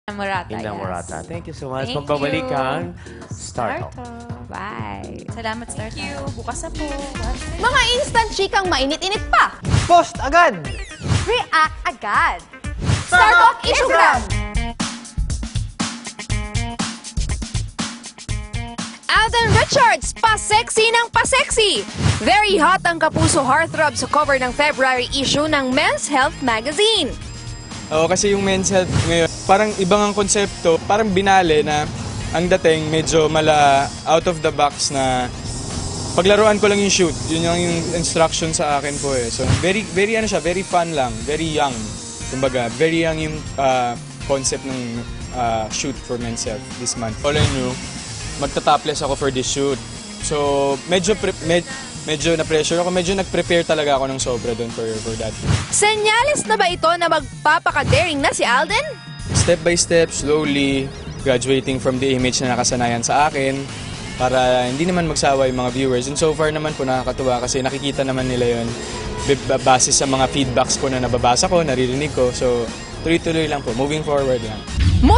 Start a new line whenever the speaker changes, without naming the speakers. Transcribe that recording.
Morata,
Indang
yes.
Morata. Thank you so much.
Thank
Magbabalik
you.
ang Start Talk.
Bye.
Salamat, Thank you. Bukas na po.
Mga instant chikang mainit-init pa.
Post agad!
React agad. Start Talk Instagram. Alden Richards, pa-sexy ng pa-sexy. Very hot ang kapuso heartthrob sa cover ng February issue ng Men's Health magazine.
Oo, kasi yung men's health ngayon, parang ibang ang konsepto, parang binale na ang dating medyo out of the box na paglaruan ko lang yung shoot. Yun yung instruction sa akin po eh. So very very fun lang, very young. Kumbaga, very young yung concept ng shoot for men's health this month. All I knew, magta-topless ako for this shoot. So medyo na-pressure ako, medyo nag-prepare talaga ako ng sobra doon for that.
Senyales na ba ito na magpapaka-daring na si Alden?
Step by step, slowly, graduating from the image na nakasanayan sa akin para hindi naman magsawa yung mga viewers. And so far naman po nakakatuwa kasi nakikita naman nila yon base sa mga feedbacks ko na nababasa ko, naririnig ko. So tuloy-tuloy lang po, moving forward lang.